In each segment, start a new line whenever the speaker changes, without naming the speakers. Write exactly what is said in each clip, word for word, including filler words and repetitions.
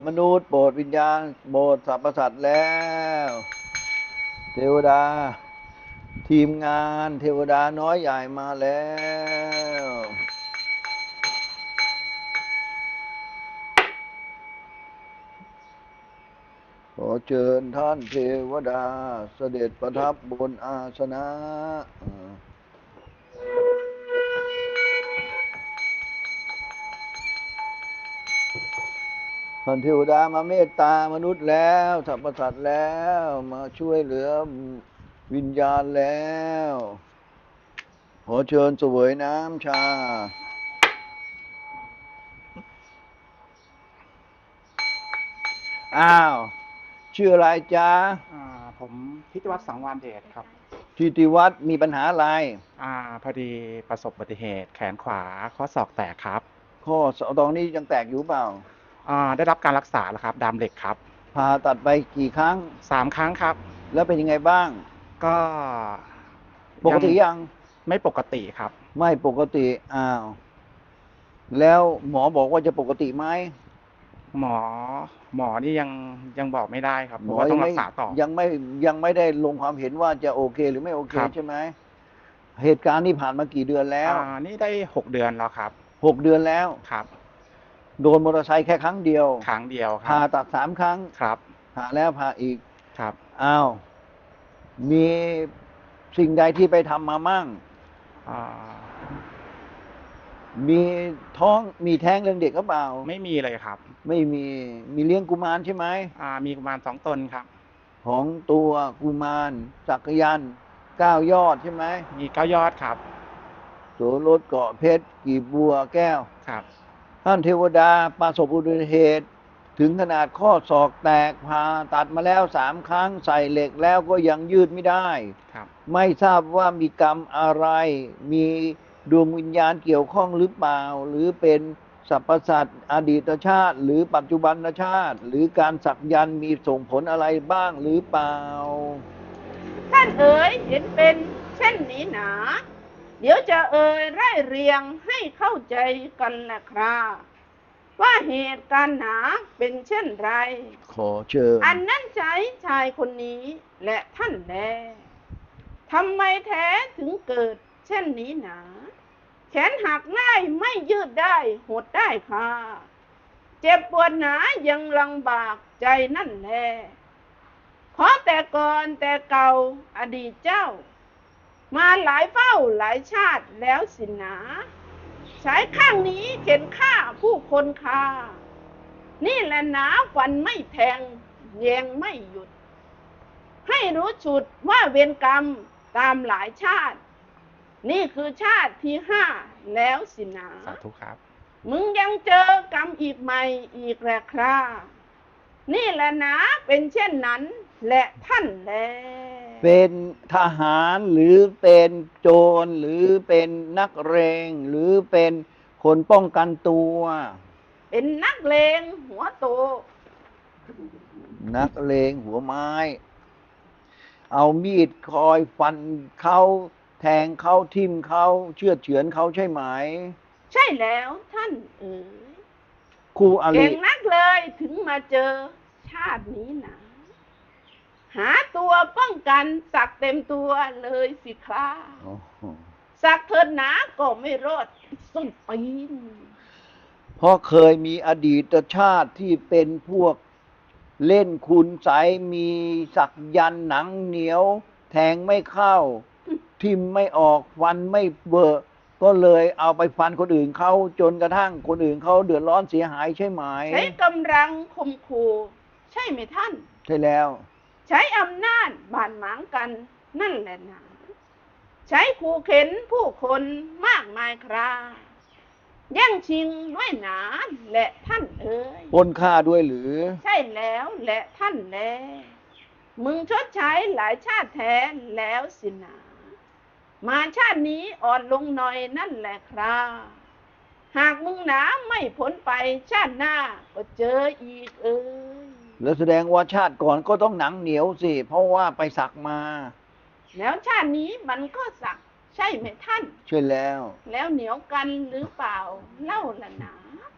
มนุษย์โปรดวิญญาณโปรดสรรพสัตว์แล้วเทวดาทีมงานเทวดาน้อยใหญ่มาแล้วขอเชิญท่านเทวดาเสด็จประทับบนอาสนะท่านเทวดามาเมตตามนุษย์แล้วสรรพสัตว์แล้วมาช่วยเหลือวิญญาณแล้วขอเชิญเสวยน้ำชาอ้าวชื่ออะไรจ๊ะ
อ่าผมพิทวัฒน์สังวานเดชครับ
ทิติวัฒน์มีปัญหาอะไร
อ่าพอดีประสบอุบัติเหตุแขนขวาข้อศอกแตกครับ
ข้อศอกตรงนี้ยังแตกอยู่เปล่า
อ่าได้รับการรักษาแล้วครับดามเหล็กครับ
ผ่าตัดไปกี่ครั้ง
สามครั้งครับ
แล้วเป็นยังไงบ้าง
ก็
ปก
ยัง
ติยัง
ไม่ปกติครับ
ไม่ปกติอ้าวแล้วหมอบอกว่าจะปกติไหม
หมอหมอนี่ยังยังบอกไม่ได้ครับเพ
หม
ราะว่าต้อง
อยังไม่
รักษาต่อ
ยังไม่ยังไม่ได้ลงความเห็นว่าจะโอเคหรือไม่โอเค
ครับ
ใช่ไหมเหตุการณ์นี้ผ่านมากี่เดือนแล้
อ่า
ว
นี่ได้หกเดือนแล้วครับ
หกเดือนแล้ว
ครับ
โดนมอเตอร์ไซค์แค่ครั้งเดียว
ครั้งเดียวครับ
ผ่าตัดสามครั้ง
ครับ
ผ่าแล้วผ่าอีก
ครับ
อ้าวมีสิ่งใดที่ไปทำมามั่ง
อ่า
มีท้องมีแท้งเรื่องเด็กก็เปล่า
ไม่มีเลยครับ
ไม่มีมีเลี้ยงกุมารใช่ไหม
อ่ามีประมาณสองตนครับ
ของตัวกุมารสักยันต์เก้ายอดใช่ไหม
มีเก้ายอดครับ
โสรสเกาะเพชรกีบบัวแก้ว
ครับ
ท่านเทวดาประสบอุบัติเหตุถึงขนาดข้อศอกแตกผ่าตัดมาแล้วสามครั้งใส่เหล็กแล้วก็ยังยืดไม่ได้
ครับ
ไม่ทราบว่ามีกรรมอะไรมีดวงวิญญาณเกี่ยวข้องหรือเปล่าหรือเป็นสรรพสัตว์อดีตชาติหรือปัจจุบันชาติหรือการสักยันต์มีส่งผลอะไรบ้างหรือเปล่า
ท่านเอ๋ยเห็นเป็นเช่นนี้หนา เดี๋ยวจะเอ่ยไร่เรียงให้เข้าใจกันแหละครับว่าเหตุการณ์หนาเป็นเช่นไร
ขอเชิญ
อันนั้นใจชายคนนี้และท่านแลทำไมแท้ถึงเกิดเช่นนี้หนา แขนหักง่ายไม่ยืดได้หดได้ค่ะเจ็บปวดหนายังลำบากใจนั่นแลเพราะแต่ก่อนแต่เก่าอดีตเจ้า มาหลายเฝ้าหลายชาติแล้วสินะใช้ข้างนี้เข็นฆ่าผู้คนคานี่แหละหนาฟันไม่แทงแยงไม่หยุด ให้รู้จุดว่าเวรกรรมตามหลายชาติ นี่คือชาติที่ห้าแล้วสินะ
สาธุครับ
มึงยังเจอกรรมอีกใหม่อีกแหละครานี่แหละนะเป็นเช่นนั้นและท่านแล
เป็นทหารหรือเป็นโจรหรือเป็นนักเรงหรือเป็นคนป้องกันตัว
เป็นนักเลงหัวโต
นักเลงหัวไม้ เอามีดคอยฟันเขาแทงเขาทิ่มเขาเชือดเฉือนเขาใช่ไหม
ใช่แล้วท่านเอ๋ย
คู่อริ
เก่งนักเลยถึงมาเจอชาตินี้หนาหาตัวป้องกันสักเต็มตัวเลยสิคราสักเถิดหนาก็ไม่รอดส้นตีน
เพราะเคยมีอดีตชาติที่เป็นพวกเล่นคุณใสมีสักยันต์หนังเหนียว แทงไม่เข้า ทิ่มไม่ออกฟันไม่เบอะก็เลยเอาไปฟันคนอื่นเขาจนกระทั่งคนอื่นเขาเดือดร้อนเสียหายใช่ไหม
ใช้กำลังข่มขู่ใช่ไหมท่าน
ใช่แล้ว
ใช้อำนาจบาดหมางกันนั่นแหละหนาใช้ขู่เข็นผู้คนมากมายคราแย่งชิงด้วยหนาและท่านเอ๋ย
ปล้นฆ่าด้วยหรือ
ใช่แล้วและท่านแลมึงชดใช้หลายชาติแท้แล้วสินะมาชาตินี้อ่อนลงหน่อยนั่นแหละครับหากมึงหนาไม่พ้นไปชาติหน้าก็เจออีกเอ้ย
แล้วแสดงว่าชาติก่อนก็ต้องหนังเหนียวสิเพราะว่าไปสักมา
แล้วชาตินี้มันก็สักใช่ไหมท่าน
ใช่แล้ว
แล้วเหนียวกันหรือเปล่าเล่าละหนา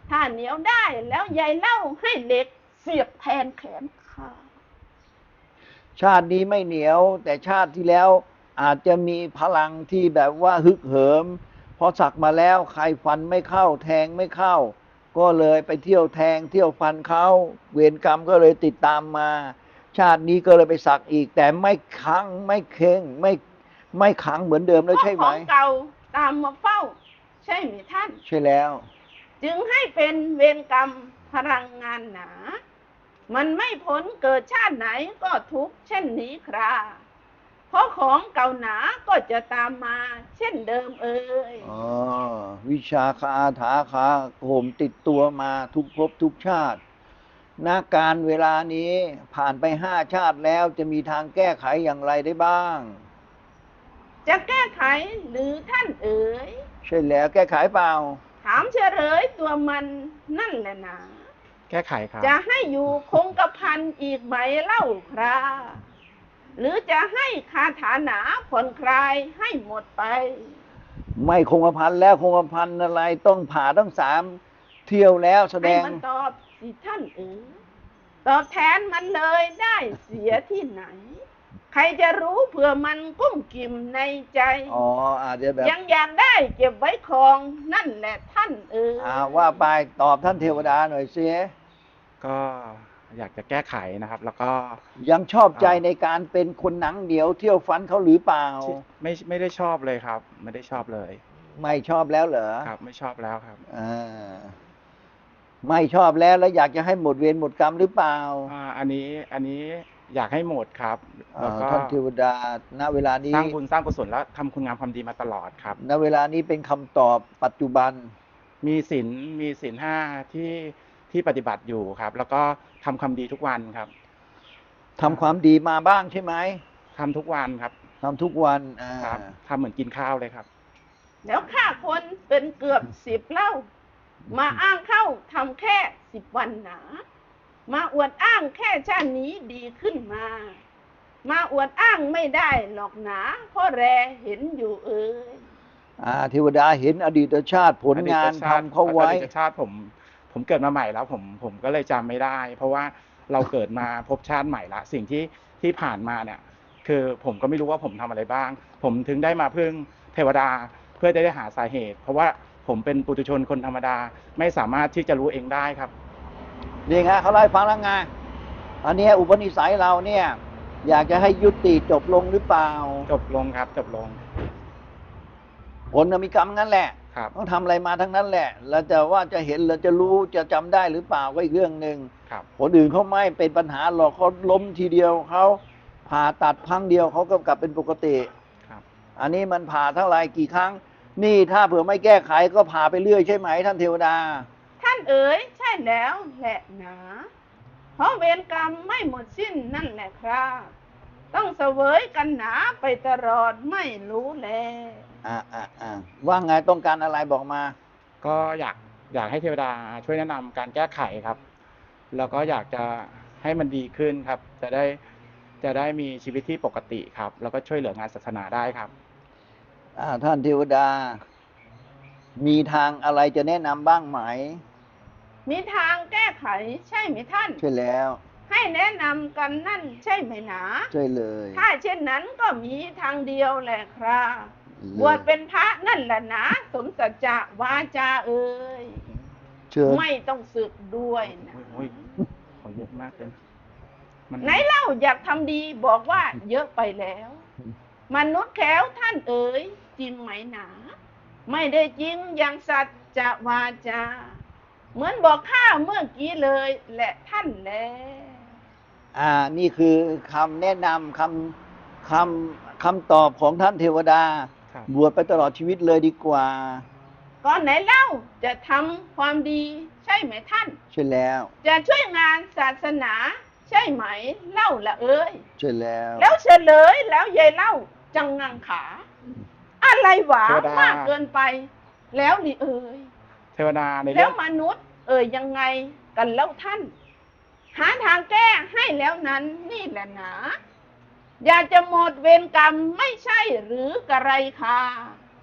ถ้าเหนียวได้แล้วยายเล่าให้เหล็กเสียบแทนแขนข้า
ชาตินี้ไม่เหนียว แต่ชาติที่แล้วอาจจะมีพลังที่แบบว่าฮึกเหิมพอสักมาแล้วใครฟันไม่เข้าแทงไม่เข้า ก็เลยไปเที่ยวแทงเที่ยวฟันเขาเวรกรรมก็เลยติดตามมา ชาตินี้ก็เลยไปสักอีก แต่ไม่ขังไม่เข่งไม่ไม่ขังเหมือนเดิมแล้วใช่ไหม
เพราะของเก่าตามมาเฝ้า ใช่ไหมท่าน
ใช่แล้ว
จึงให้เป็นเวรกรรมพลังงานหนา มันไม่พ้นเกิดชาติไหนก็ทุกข์เช่นนี้คราเพราะของเก่าหนาก็จะตามมาเช่นเดิมเอ่ย
อ๋อ วิชาคาถาคาโหมติดตัวมาทุกภพทุกชาติณการเวลานี้ผ่านไปห้าชาติแล้วจะมีทางแก้ไขอย่างไรได้บ้าง
จะแก้ไขหรือท่านเอ๋ย
ใช่แล้วแก้ไขเปล่า
ถามเฉลยตัวมันนั่นแหละนะ
แก้ไขครับ
จะให้อยู่คงกระพันอีกไหมเล่าคราหรือจะให้คาถาหนาผ่อนคลายให้หมดไป
ไม่คงกระพันแล้วคงกระพันอะไรต้องผ่าต้องสามเที่ยวแล้วแสด
ให้
ง
มันตอบสิท่านเอ๋ยตอบแทนมันเลยได้เสียที่ไหน ใครจะรู้เผื่อมันกุ้มกิ่มในใจ
อ๋ออาจจะแบบ
ยังอยากได้เก็บไว้ครองนั่นแหละท่านเอ๋ย
อ่าว่าไปตอบท่านเทวดาหน่อยสิ
ก็อยากจะแก้ไขนะครับ แล้วก็
ยังชอบใจ
อ่า
ในการเป็นคนหนังเหนียวเที่ยวฟันเขาหรือเปล่า
ที่ไม่ไม่ได้ชอบเลยครับ ไม่ได้ชอบเลย
ไม่ชอบแล้วเหรอ
ครับ ไม่ชอบแล้วครับ
อ่าไม่ชอบแล้วแล้วอยากจะให้หมดเวรหมดกรรมหรือเปล่า
อ่าอันนี้อันนี้อยากให้หมดครับ แล้ว
อ่า
ก็
ท่านเทวดาณเวลานี้
สร้างบุญสร้างกุศลและทำคุณงามความดีมาตลอดครับ
ณเวลานี้เป็นคำตอบปัจจุบัน
มีศีลมีศีลห้าที่ที่ปฏิบัติอยู่ครับ แล้วก็ทำความดีทุกวันครับ
ทำความดีมาบ้างใช่ไหม
ทำทุกวันครับ
ทำทุกวันอ่า
ครับทำเหมือนกินข้าวเลยครับ
แล้วฆ่าคนเป็นเกือบสิบเล่า มาอ้างเข้าทำแค่สิบวันหนา มาอวดอ้างแค่ชาตินี้ดีขึ้นมา มาอวดอ้างไม่ได้หรอกหนาเพราะแรเห็นอยู่เอ่ย
อ่าเทวดาเห็นอดีตชาติผลงาน
อดีต
ทำ
ชติ
เขาไว้
อดีตชาติผมผมเกิดมาใหม่แล้วผมผมก็เลยจำไม่ได้ เพราะว่าเราเกิดมาพบชาติใหม่ละสิ่งที่ที่ผ่านมาเนี่ยคือผมก็ไม่รู้ว่าผมทำอะไรบ้าง ผมถึงได้มาพึ่งเทวดาเพื่อจะได้หาสาเหตุ เพราะว่าผมเป็นปุถุชนคนธรรมดาไม่สามารถที่จะรู้เองได้ครับ
นี่ไงเขาไล่าให้ฟังแล้วไงอันเนี้ยอุปนิสัยเราเนี่ย อยากจะให้ยุติจบลงหรือเปล่า
จบลงครับจบลง
ผลน่ะมีกรรมงั้นแหละ
ครับ
ต้องทำอะไรมาทั้งนั้นแหละ แล้วจะว่าจะเห็นหรือจะรู้จะจำได้หรือเปล่าก็อีกเรื่องหนึ่ง
ครับ
คนอื่นเขาไม่เป็นปัญหาหรอกเขาล้มทีเดียวเขาผ่าตัดพังเดียวเขาก็กลับเป็นปกติ
ครับ
อันนี้มันผ่าเท่าไหร่กี่ครั้ง นี่ถ้าเผื่อไม่แก้ไขก็ผ่าไปเรื่อยใช่ไหมท่านเทวดา
ท่านเอ๋ยใช่แล้วแหละหนาเพราะเวรกรรมไม่หมดสิ้นนั่นแหละครับต้องเสวยกันหนาไปตลอดไม่รู้แล
อ่าอ่าอ่าว่าไงต้องการอะไรบอกมา
ก็อยากอยากให้เทวดาช่วยแนะนำการแก้ไขครับ แล้วก็อยากจะให้มันดีขึ้นครับ จะได้จะได้มีชีวิตที่ปกติครับ แล้วก็ช่วยเหลืองานศาสนาได้ครับ
อ่าท่านเทวดา มีทางอะไรจะแนะนำบ้างไหม
มีทางแก้ไขใช่ไหมท่าน
ใช่แล้ว
ให้แนะนำกันนั่นใช่ไหมหนา
ใช่เลย
ถ้าเช่นนั้นก็มีทางเดียวแหละครับ
เลย
บวชเป็นพระนั่นแหละนะสมสัจจะวาจาเอ่ย
เชิญ
ไม่ต้องสึกด้วยนะ
โอ้ยขอเยอะมากเลยมัน
ไหนเล่าอยากทำดีบอกว่าเยอะไปแล้ว มนุษย์แขวท่านเอ๋ยจริงไหมหนา ไม่ได้จริงอย่างสัจจะวาจา เหมือนบอกข้าเมื่อกี้เลยแหละท่านแล
อ่า นี่คือคำแนะนำคำคำคำตอบของท่านเทวดา
ครับ
บวชไปตลอดชีวิตเลยดีกว่า
ก่อนไหนเล่าจะทำความดีใช่ไหมท่าน
ใช่แล้ว
จะช่วยงานศาสนา ใช่ไหมเล่าละเอ้ย
ใช่แล้ว
แล้วเฉลยแล้วยายเล่าจังงังขา อะไรหวา
เทวดาม
มากเกินไป แล้วนี่เอ้ย
เทวดาใน
แล้
เรื่
ว
อง
มนุษย์ เอ่ยยังไงกันแล้วท่าน หาทางแก้ให้แล้วนั้นนี่แหละหนาอยากจะหมดเวรกรรมไม่ใช่หรือกระไรค่ะ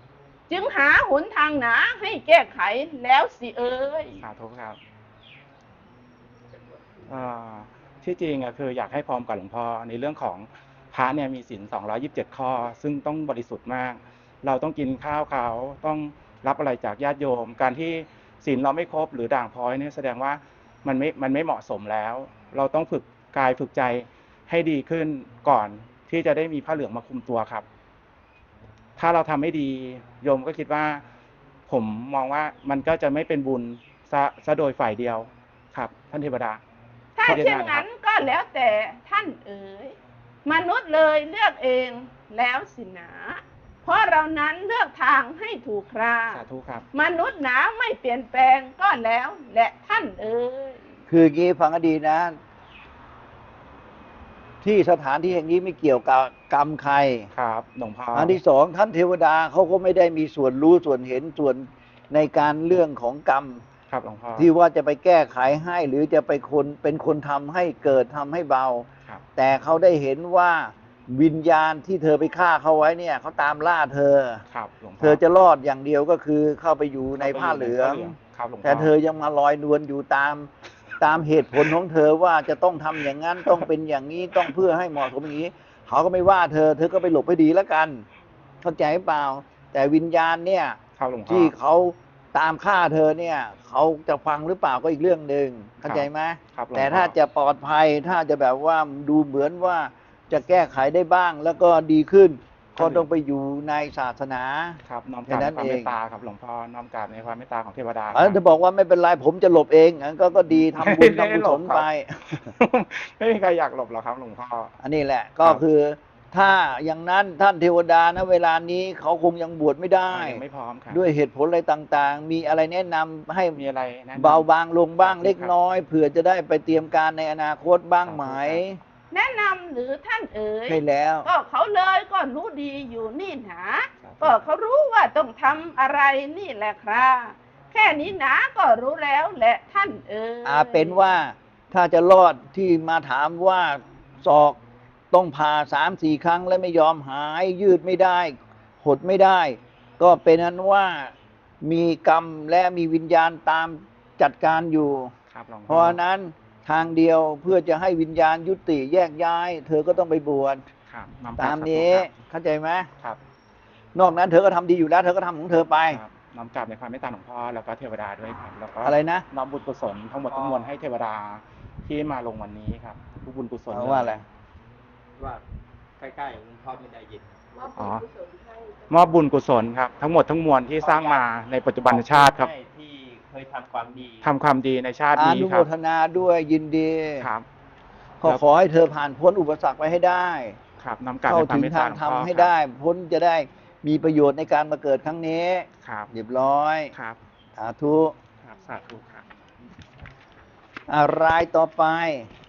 จึงหาหนทางหนาให้แก้ไขแล้วสิเอ่ย
สาธุครับเอ่อที่จริงอะคืออยากให้พร้อมกับหลวงพ่อในเรื่องของพระเนี่ยมีศีลสองร้อยยี่สิบเจ็ดข้อ ซึ่งต้องบริสุทธิ์มาก เราต้องกินข้าวเขาต้องรับอะไรจากญาติโยม การที่ศีลเราไม่ครบหรือด่างพร้อยเนี่ยแสดงว่ามันไม่มันไม่เหมาะสมแล้ว เราต้องฝึกกายฝึกใจให้ดีขึ้นก่อนที่จะได้มีผ้าเหลืองมาคุมตัวครับ ถ้าเราทำไม่ดีโยมก็คิดว่า ผมมองว่ามันก็จะไม่เป็นบุญซะซะโดยฝ่ายเดียวครับ ท่านเทวดา
ถ้าเช่นนั้นก็แล้วแต่ท่านเอ๋ยมนุษย์เลยเลือกเองแล้วสินะเพราะเรานั้นเลือกทางให้ถูกครา
สาธุครับ
มนุษย์หนาไม่เปลี่ยนแปลงก็แล้วแหละท่านเอ๋ย
คืออย่างนี้ฟังให้ดีนะ ที่สถานที่แห่งนี้ไม่เกี่ยวกับกรรมใคร
ครับหลวงพ่อ
อันที่สองท่านเทวดาเขาก็ไม่ได้มีส่วนรู้ส่วนเห็นส่วนในการเรื่องของกรรม
ครับหลวงพ่อ
ที่ว่าจะไปแก้ไขให้หรือจะไปคนเป็นคนทำให้เกิดทำให้เบา
ครับ
แต่เขาได้เห็นว่าวิญญาณที่เธอไปฆ่าเขาไว้เนี่ยเขาตามล่าเธอ
ครับหลวงพ่อ
เธอจะรอดอย่างเดียวก็คือเข้าไปอยู่ในผ้าเหลือง
ครับหลวงพ่อ
แต่เธอยังมาลอยนวลอยู่ตามตามเหตุผลของเธอว่าจะต้องทำอย่างนั้นต้องเป็นอย่างนี้ต้องเพื่อให้เหมาะสมอย่างนี้เขาก็ไม่ว่าเธอ เธอก็ไปหลบให้ดีแล้วกัน เข้าใจเปล่า แต่วิญญาณเนี่ย
ครับหลวงพ่อ
ที่เขาตามฆ่าเธอเนี่ยเขาจะฟังหรือเปล่าก็อีกเรื่องหนึ่งเข้าใจไหม
ครับหลวงพ่อ
แต่ถ้าจะปลอดภัยถ้าจะแบบว่าดูเหมือนว่าจะแก้ไขได้บ้างแล้วก็ดีขึ้นก็ต้องไปอยู่ในศาสนา
ครับน้อมก
แค่
ราบ
นั้
ใน
น
ความ
เอง
เมตตาครับหลวงพ่อน้อมกราบในความเมตตาของเทวดา
อันนั้น
ค
จะ
รับ
บอกว่าไม่เป็นไรผมจะหลบเองอันก็ก็ดีทำบุญ
ไม่ได้
ทำกุ
หล
ศ
บ
ล
ครับ
ไป
ไม่มีใครอยากหลบหรอกครับหลวงพ่อ
อันนี้แหละก็คือถ้าอย่างนั้นท่านเทวดานะเวลานี้เขาคงยังบวชไม่ได้
ยังไม่พร้อมครับ
ด้วยเหตุผลอะไรต่างๆ มีอะไรแนะนำให้
มีอะไรแนะนำ
เบาบางลงบ้าง
ครับ
เล็กน้อยเผื่อจะได้ไปเตรียมการในอนาคตบ้างไหม
แนะนำหรือท่านเอ๋ย
ใช่แล้ว
ก็เขาเลยก็รู้ดีอยู่นี่หนา
ครับ
ก็เขารู้ว่าต้องทำอะไรนี่แหละครับแค่นี้หนาก็รู้แล้วแหละท่านเอ๋ย
อาเป็นว่าถ้าจะรอดที่มาถามว่าศอกต้องผ่าสามสี่ครั้งแล้วไม่ยอมหายยืดไม่ได้ หดไม่ได้ ก็เป็นนั้นว่ามีกรรมและมีวิญญาณตามจัดการอยู่
ครับหลวงพ่อ
เพราะฉะนั้นทางเดียวเพื่อจะให้วิญญาณยุติแยกย้าย เธอก็ต้องไปบวช
ครับน้อมกรบ
ตามนี้
สธุ
เข้าใจไหม
ครับ
นอกนั้นเธอก็ทำดีอยู่แล้ว เธอก็ทำของเธอไป
ครับน้อมกราบในความเมตตาหลวงพ่อแล้วก็เทวดาด้วยครับแล้วก็
อะไรนะ
น้อมบุญกุศลทั้งหมดทั้งมวลให้เทวดาที่มาลงวันนี้ครับทุกบุญกุศล
เอาว่าอะไร
ว่าใกล้ๆหลวงพ่อไม่ได้ยิน
อ๋อมอบบุญกุศลครับทั้งหมดทั้งมวลที่สร้างมาในปัจจุบันชาติครับ
ให้ที่เคยทำความดี
ทำความดีในชาติ
อ
นี้
นุ
ค
โม
รับ
ทนาด้วยยินดี
ครับ
ขอขอให้เธอผ่านพ้นอุปสรรคไปให้ได้
ครับน้อมกราบ
เข้า
ในความ
ถึง
เมต
ทา
ตาง หลวงพ่อ
ทำให้
ครับ
ได้ พ้นจะได้มีประโยชน์ในการมาเกิดครั้งนี้
ครับ
เรียบร้อย
ครับ
สาธุ
ครับสาธุครับ
อะไรต่อไป
ค